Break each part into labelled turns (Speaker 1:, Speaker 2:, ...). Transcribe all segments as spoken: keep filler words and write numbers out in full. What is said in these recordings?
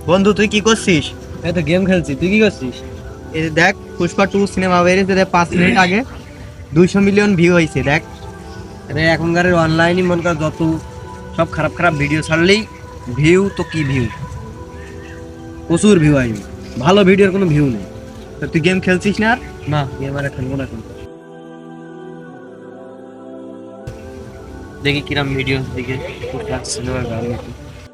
Speaker 1: বন্ধু তুই কি করছিস?
Speaker 2: এই তো গেম খেলছি, তুই কি করছিস?
Speaker 1: এই দেখ পুষ্পা টু সিনেমা বেরিয়েছে, দেখ পাঁচ মিনিট আগে দুইশো মিলিয়ন ভিউ হয়েছে। দেখ
Speaker 2: আরে এখনকার অনলাইনই মন কর যত সব খারাপ খারাপ ভিডিও ছাড়লেই ভিউ তো কি ভিউ, প্রচুর ভিউ আসবে, ভালো ভিডিওর কোনো ভিউ নেই।
Speaker 1: তো তুই গেম খেলছিস না আর?
Speaker 2: না গেম আর খেলবো না এখন। দেখি কিরম ভিডিও দিকে সিনেমার গান নাকি।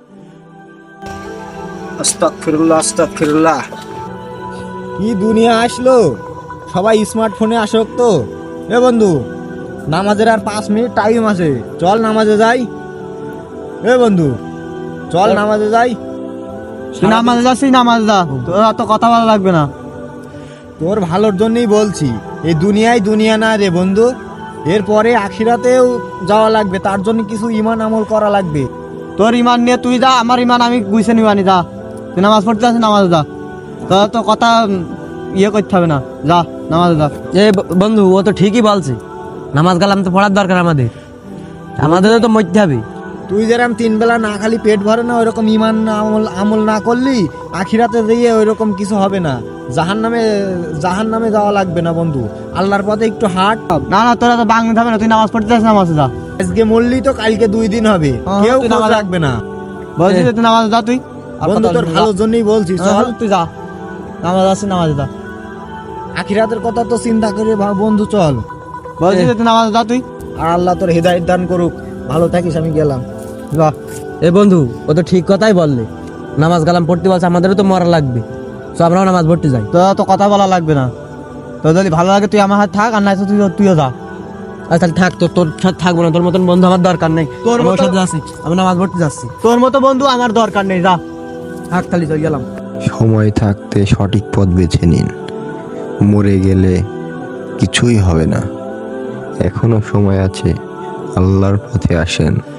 Speaker 2: আস্তাগফিরুল্লাহ আস্তাগফিরুল্লাহ।
Speaker 3: কি দুনিয়া আসলো, সবাই স্মার্টফোনে আসক্ত। এ বন্ধু, নামাজের আর পাঁচ মিনিট টাইম আছে, চল নামাজে যাই। এ বন্ধু চল নামাজে যাই।
Speaker 1: তুই নামাজ যাচ্ছিস, নামাজ যা, তোর অত কথা ভালো লাগবে না।
Speaker 3: তোর ভালোর জন্যই বলছি, এই দুনিয়ায় দুনিয়া না রে বন্ধু, এরপরে আখিরাতেও যাওয়া লাগবে, তার জন্য কিছু ইমান আমল করা লাগবে।
Speaker 1: তোর ইমান নিয়ে তুই যা, আমার ইমান আমি গুইছে নিবানি, যা তুই নামাজ পড়তে যাচ্ছিস, নামাজ যা, তোর তো কথা ইয়ে করতে হবে না, যা নামাজ যা।
Speaker 2: এ বন্ধু ও তো ঠিকই বলছে, নামাজ কালাম তো পড়ার দরকার আমাদের, আমাদের তো মরতে হবে।
Speaker 3: তুই যেরকম তিন বেলা না খালি পেট ভরে না, ওইরকম ইমান আমল আমল না করলি আখিরাতে দিয়ে ওইরকম কিছু হবে না। জাহান নামে জাহান নামে যাওয়া লাগবে না বন্ধু, আল্লাহর পথে একটু হাঁট।
Speaker 1: না না তোরা তো বাংলা হবে না, তুই নামাজ পড়তে যাচ্ছিস, নামাজ যা।
Speaker 3: আজকে মরলি তো কালকে দুই দিন হবে,
Speaker 1: হ্যাঁ,
Speaker 3: কেউ
Speaker 1: তুই
Speaker 3: নামাজ
Speaker 1: নামাজ-
Speaker 3: রাখবে না।
Speaker 1: বলছিস তুই নামাজ যা, তুই আর
Speaker 3: বন্ধু
Speaker 1: কথা
Speaker 3: তোর
Speaker 1: বলবি না,
Speaker 3: ভালোর জন্যই বলছি,
Speaker 1: যা।
Speaker 3: চল।
Speaker 1: হ্যাঁ, তুই যা নামাজ যাচ্ছিস, নামাজ যা।
Speaker 3: আখিরাতের কথা তো চিন্তা করে ভাব বন্ধু, চল।
Speaker 1: বলছিস তুই নামাজ যা, তুই
Speaker 3: আর আল্লাহ তোর হৃদায়ত দান করুক, ভালো থাকিস, আমি গেলাম।
Speaker 1: যা।
Speaker 2: এ বন্ধু ও তো ঠিক কথাই বললে, নামাজ কালাম পড়তে বলছে, আমাদেরও তো মরা লাগবে, তো আমরাও নামাজ পড়তে যাই।
Speaker 1: তোর তো কথা বলা লাগবে না, তোর যদি ভালো লাগে তুই আমার হাতে থাক, আর নাই তো তুই তুইও যা।
Speaker 2: আচ্ছা তাহলে থাক, তোর তোর সাথে থাকবো না, তোর মতন বন্ধু আমার দরকার নেই,
Speaker 1: তোর
Speaker 2: তোর
Speaker 1: মতো-
Speaker 2: সাথে যাচ্ছি, আমি নামাজ পড়তে যাচ্ছি।
Speaker 1: তোর মতো বন্ধু আমার দরকার নেই, যা।
Speaker 2: থাক তাহলে চলে গেলাম।
Speaker 4: সময় থাকতে সঠিক পথ বেছে নিন, মরে গেলে কিছুই হবে না। এখনো সময় আছে, আল্লাহর পথে আসেন।